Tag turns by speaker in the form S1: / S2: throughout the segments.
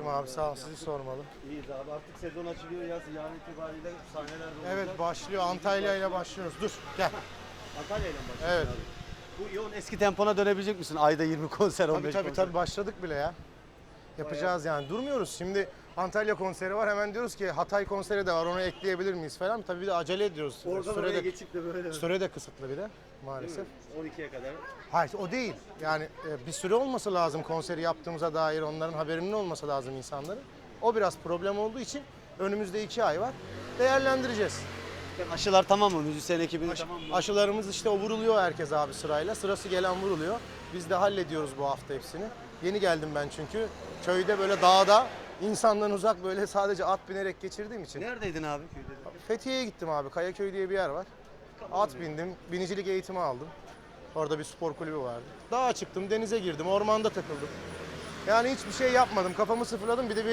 S1: iyiyim abi, sağ ol. Sizi sormalı.
S2: İyiyiz abi. Artık sezon açılıyor. Yaz yarın itibariyle sahneler de olacak.
S1: Evet, başlıyor. Antalya ile başlıyoruz. Dur, gel.
S2: Antalya ile mi başlıyorsun
S1: Evet.
S2: abi? Bu yoğun eski tempona dönebilecek misin? Ayda 20 konser, 15
S1: Tabii
S2: konser.
S1: başladık bile ya. Yapacağız yani. Durmuyoruz. Şimdi Antalya konseri var. Hemen diyoruz ki Hatay konseri de var. Onu ekleyebilir miyiz falan. Tabii bir de acele ediyoruz.
S2: Oradan oraya geçip de böyle.
S1: Süre de kısıtlı bir de maalesef.
S2: 12'ye kadar.
S1: Hayır, o değil. Yani bir süre olması lazım konseri yaptığımıza dair, onların haberinin olması lazım insanların. O biraz problem olduğu için önümüzde 2 ay var. Değerlendireceğiz.
S2: Aşılar tamam mı? Müzisyen ekibinin tamam mı?
S1: Aşılarımız işte o vuruluyor herkes abi sırayla. Sırası gelen vuruluyor. Biz de hallediyoruz bu hafta hepsini. Yeni geldim ben çünkü. Köyde böyle dağda insandan uzak böyle sadece at binerek geçirdiğim için.
S2: Neredeydin abi köyde?
S1: Fethiye'ye gittim abi. Kayaköy diye bir yer var. At bindim. Binicilik eğitimi aldım. Orada bir spor kulübü vardı. Dağa çıktım, denize girdim, ormanda takıldım. Yani hiçbir şey yapmadım. Kafamı sıfırladım. Bir de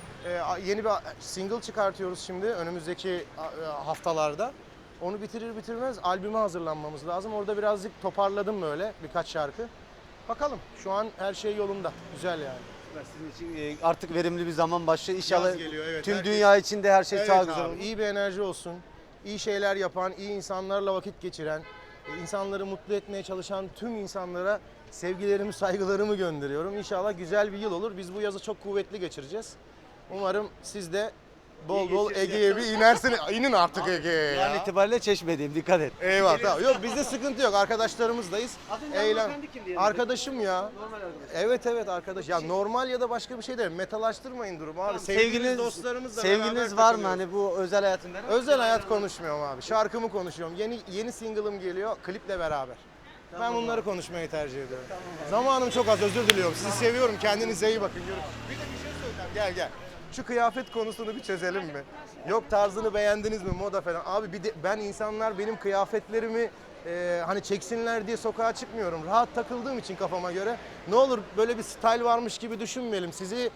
S1: yeni bir single çıkartıyoruz şimdi önümüzdeki haftalarda. Onu bitirir bitirmez albüme hazırlanmamız lazım. Orada birazcık toparladım böyle birkaç şarkı. Bakalım, şu an her şey yolunda. Güzel yani.
S2: Sizin için artık verimli bir zaman başlıyor. İnşallah
S1: Yaz geliyor, evet.
S2: tüm
S1: Herkes-
S2: dünya için de her şey
S1: Evet
S2: daha
S1: abi,
S2: güzel olur.
S1: iyi bir enerji olsun. İyi şeyler yapan, iyi insanlarla vakit geçiren, insanları mutlu etmeye çalışan tüm insanlara sevgilerimi, saygılarımı gönderiyorum. İnşallah güzel bir yıl olur. Biz bu yazı çok kuvvetli geçireceğiz. Umarım siz de bol bol Ege'ye bir inersiniz. İnin artık Ege'ye
S2: Yarın
S1: ya.
S2: itibariyle Çeşme'deyim, dikkat et.
S1: Eyvallah. Tamam. Yok, bizde sıkıntı yok. Arkadaşlarımızdayız.
S2: Az önce
S1: Eğlen.
S2: hanımefendi kimdi yanında?
S1: Arkadaşım ya.
S2: Normal arkadaş.
S1: Evet arkadaş. Ya normal ya da başka bir şey değil. Metalaştırmayın durumu abi. Dostlarımızla
S2: sevgiliniz
S1: beraber
S2: var mı
S1: takılıyoruz.
S2: hani bu özel hayatında?
S1: Özel hayat konuşmuyorum abi. Şarkımı konuşuyorum. Yeni single'ım geliyor kliple beraber. Ben bunları konuşmayı tercih ediyorum. Zamanım çok az, özür diliyorum. Sizi seviyorum. Kendinize iyi bakın. Bir de bir şey söyleyeceğim. Gel. Şu kıyafet konusunu bir çözelim mi? Yok, tarzını beğendiniz mi, moda falan. Abi ben insanlar benim kıyafetlerimi hani çeksinler diye sokağa çıkmıyorum. Rahat takıldığım için kafama göre. Ne olur böyle bir style varmış gibi düşünmeyelim. Sizi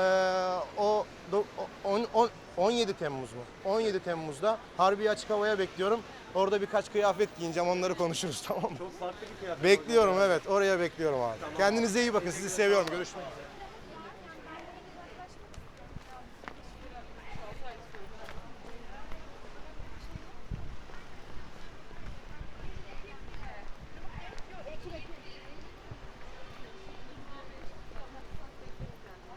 S1: 17 Temmuz mu? 17 Temmuz'da Harbiye Açık Hava'ya bekliyorum. Orada birkaç kıyafet giyineceğim, onları konuşuruz, tamam mı?
S2: Çok farklı bir kıyafet.
S1: Bekliyorum, evet, oraya bekliyorum abi. Kendinize iyi bakın, sizi seviyorum. Görüşmek üzere.